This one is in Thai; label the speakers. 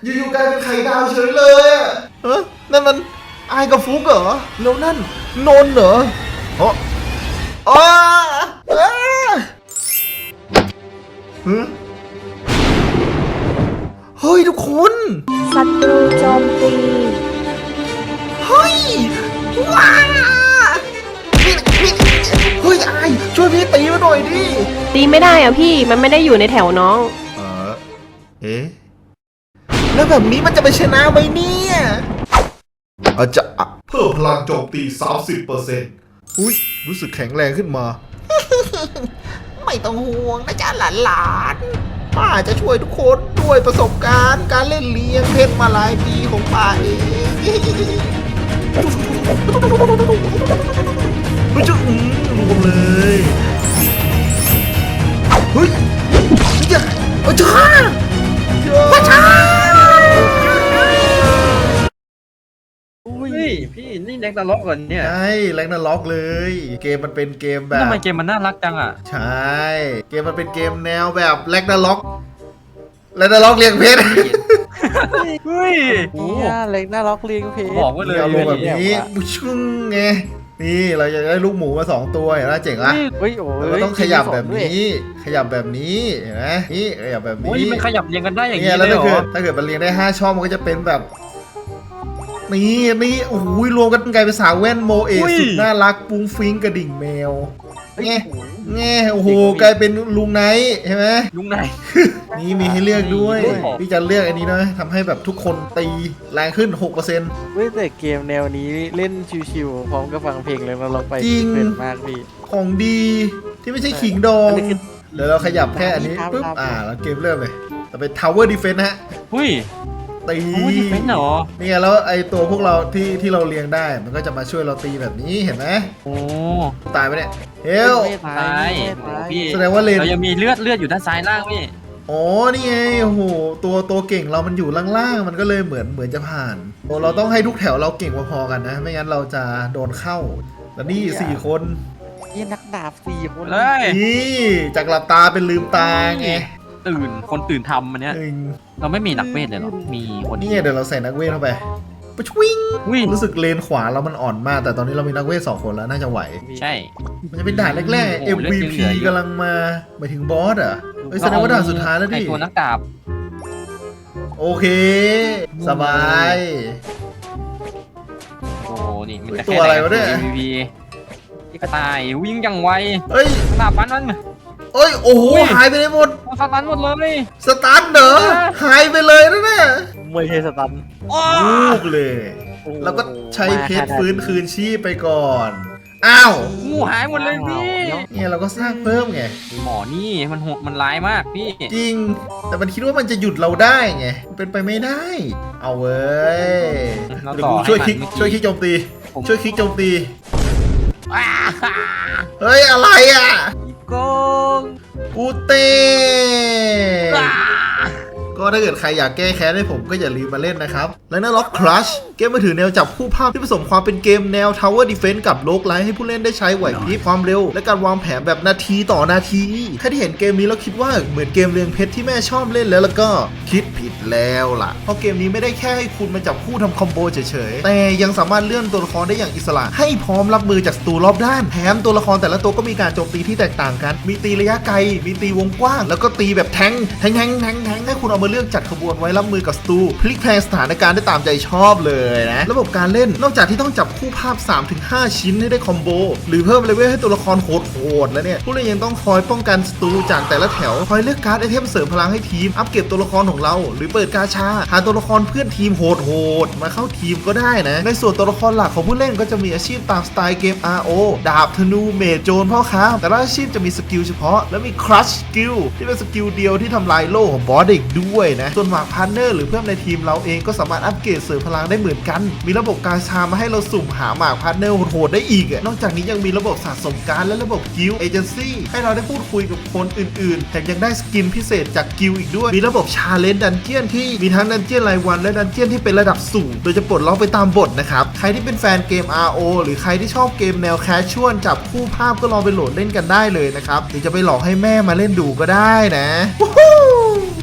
Speaker 1: อยู่ๆกลายเป็นไข่ดาวเฉยเลยอ่ะนั่นมันไอ้กับฟุกเหรอแล้วนั่นนนเหรออ๋อเฮ้ยทุกคน
Speaker 2: ศัตรูโจมตี
Speaker 1: เฮ้ยว้าเฮ้ยไอ้ช่วยพี่ตีมาหน่อยดิ
Speaker 3: ตีไม่ได้อ่ะพี่มันไม่ได้อยู่ในแถวน้อง
Speaker 1: เอ๊ะแล้วแบบนี้มันจะไปชนะไหมเนี่ยอาจจะเพิ่มพลังโจมตี 30%อุ้ยรู้สึกแข็งแรงขึ้นมาไม่ต้องห่วงนะจ๊ะหลานๆป้าจะช่วยทุกคนด้วยประสบการณ์การเล่นเลี้ยงเพชรมาหลายปีของป้าเองไม่จะรวมเลยเฮ้ยอย่าช้าช้า
Speaker 4: พี่นี่แร็กนาร็อกก่อนเนี่ย
Speaker 1: ใช่แร็กนาร็อกเลยเกมมันเป็นเกมแบบ
Speaker 4: ทำไมเกมมันน่ารักจังอ่ะ
Speaker 1: ใช่เกมมันเป็นเกมแนวแบบแร็กนาร็อกเรียงเพชร
Speaker 4: เฮ้ย
Speaker 5: เล็กน่าล็อกเลี้ยงเพชร
Speaker 4: บอกไว้เลย
Speaker 1: เอาลงแบบนี้ชึ้งไงนี่เราจะได้ลูกหมูมา2ตัวเห็นไหมเจ๋งละเราต้องขยับแบบนี้เห็นไหมนี่ขยับแบบนี้
Speaker 4: มันขยับเรียงกันได้อย่างนี้
Speaker 1: แล้วถ้าเกิดมันเรียงได้5ช่องมันก็จะเป็นแบบนี่โอ้โหรวมกันกลายเป็นสาวแว่นโมเอสุดน่ารักปุ้งฟิ้งกระดิ่งแมวไงโอ้โหกลายเป็นลุงไนท์ใช่ไหม
Speaker 4: ลุงไนท์
Speaker 1: นี่มีให้เลือกด้วยพี่จะเลือกอันนี้นะทำให้แบบทุกคนตีแรงขึ้น 6%
Speaker 5: เว้ยแต่เกมแนวนี้เล่นชิวๆพร้อมกับฟังเพลงเลยเราลองไป
Speaker 1: จริง
Speaker 5: มากพี่
Speaker 1: ของดีที่ไม่ใช่ขิงดองเดี๋ยวเราขยับแค่อันนี้ปุ๊บแล้วเกมเริ่มเลยต่อไป Tower Defense นะฮะตีนี่ไงแล้วไอตัวพวกเราที่เราเลี้ยงได้มันก็จะมาช่วยเราตีแบบนี้เห็นไหม
Speaker 4: โอ้
Speaker 1: ตายไปเนี่ยเฮล
Speaker 4: ตาย
Speaker 1: พี่แสดงว่าเลน
Speaker 4: เรายังมีเลือดอยู่ด้านซ้ายล่างพี่
Speaker 1: อ๋อนี่ไงโอ้โหตัวเก่งเรามันอยู่ล่างๆมันก็เลยเหมือนจะผ่านเราต้องให้ทุกแถวเราเก่งพอๆกันนะไม่งั้นเราจะโดนเข้าแล้วนี่4 คน
Speaker 5: นี่นักดาบ4 คน
Speaker 1: นี่จากหลับตาเป็นลืมตาไง
Speaker 4: คนตื่นทำมันเนี้ยเราไม่มีนักเวทเลยหรอมีคน
Speaker 1: นี่เดี๋ยวเราใส่นักเวทเข้าไปปะวิ่งรู้สึกเลนขวาเรามันอ่อนมากแต่ตอนนี้เรามีนักเวท2 คนแล้วน่าจะไหว
Speaker 4: ใช่
Speaker 1: มันจะเป็นด่านแรกๆ MVP กำลังมาหมายถึงบอสอ่ะแสดงว่าด่านสุดท้ายแล้วดิ
Speaker 4: ตัวนักดาบ
Speaker 1: โอเคสบาย
Speaker 4: โอ้นี่มันจะ
Speaker 1: ตัวอะไรวะเนี่ย
Speaker 4: MVP ที่กระต่ายวิ่งอย่างไวดาบฟันมัน
Speaker 1: โอ้โหหายไปเลยหมด
Speaker 4: สตันหมดเลย
Speaker 1: สตันเหรอหายไปเลยนะเนี่ย
Speaker 5: ไม่ใช่สตัน
Speaker 1: ลูกเลยแล้วก็ใช้เพชรฟื้นคืนชีพไปก่อนอ้าว
Speaker 4: งูหายหมดเลยพี่
Speaker 1: เนี่ยเราก็สร้างเพิ่มไง
Speaker 4: หมอนี่มันร้ายมากพี่
Speaker 1: จริงแต่มันคิดว่ามันจะหยุดเราได้ไงเป็นไปไม่ได้เอาเว้ยเดี๋ยวกูช่วยคลิกโจมตีเฮ้ยอะไรอ่ะกูเต้ก็ถ้าเกิดใครอยากแก้แค้นให้ผมก็อย่าลืมมาเล่นนะครับและนั่นล็อกครัชเกมมือถือแนวจับคู่ภาพที่ผสมความเป็นเกมแนว Tower Defense กับโลกไลท์ให้ผู้เล่นได้ใช้ไหวพริบความเร็วและการวางแผนแบบนาทีต่อนาทีใครที่เห็นเกมนี้แล้วคิดว่าเหมือนเกมเรียงเพชรที่แม่ชอบเล่นแล้วก็คิดผิดแล้วล่ะเพราะเกมนี้ไม่ได้แค่ให้คุณมาจับคู่ทำคอมโบเฉยๆแต่ยังสามารถเลื่อนตัวละครได้อย่างอิสระให้พร้อมรับมือจากศัตรูรอบด้านแถมตัวละครแต่ละตัวก็มีการโจมตีที่แตกต่างกันมีตีระยะไกลมีตีวงกว้างแล้วก็ตีแบบแทงให้คุณเอามาเลือกจัดขบวนไว้รับมือกับศัตรูพลิกแพลงสถานการณ์ได้ตามใจชอบเลยนะระบบการเล่นนอกจากที่ต้องจับคู่ภาพ 3-5 ชิ้นให้ได้คอมโบหรือเพิ่มเลเวลให้ตัวละครโหดแล้วเนี่ยผู้เล่นยังต้องคอยป้องกันศัตรูจากแต่ละแถวคอยเลือกการ์ดไอเทมเสริมพลังให้ทีมอัปเกรดตัวละครของเราหรือเปิดกาชาหาตัวละครเพื่อนทีมโหดมาเข้าทีมก็ได้นะในส่วนตัวละครหลักของผู้เล่นก็จะมีอาชีพตามสไตล์เกม RO ดาบธนูเมจโจรพ่อค้าแต่ละอาชีพจะมีสกิลเฉพาะและมีครัชสกิลที่เป็นสกิลเดียวที่ทำลายโล่ของบอสอีกด้วยนะส่วนหมากพาร์ทเนอร์หรือเพื่อนในทีมเราเองก็สามารถอัปเกรดเสริมพลังได้เหมือนกันมีระบบการชามาให้เราสุ่มหาหมากพาร์ทเนอร์โหดได้อีกนอกจากนี้ยังมีระบบสะสมการและระบบกิลด์เอเจนซี่ให้เราได้พูดคุยกับคนอื่นๆแถมยังได้สกินพิเศษจากกิลด์อีกด้วยมีระบบชาเลนจ์ดันเจี้ยนที่มีทั้งดันเจี้ยนรายวันและดันเจี้ยนที่เป็นระดับสูงโดยจะปลดล็อกไปตามบทนะครับใครที่เป็นแฟนเกม RO หรือใครที่ชอบเกมแนวแคชชวลจับคู่ภาพก็ลองไปโหลดเล่นกันได้เลยนะครับหรือจะไปหลอกให้แม่มาเล่นดูก็ได้นะ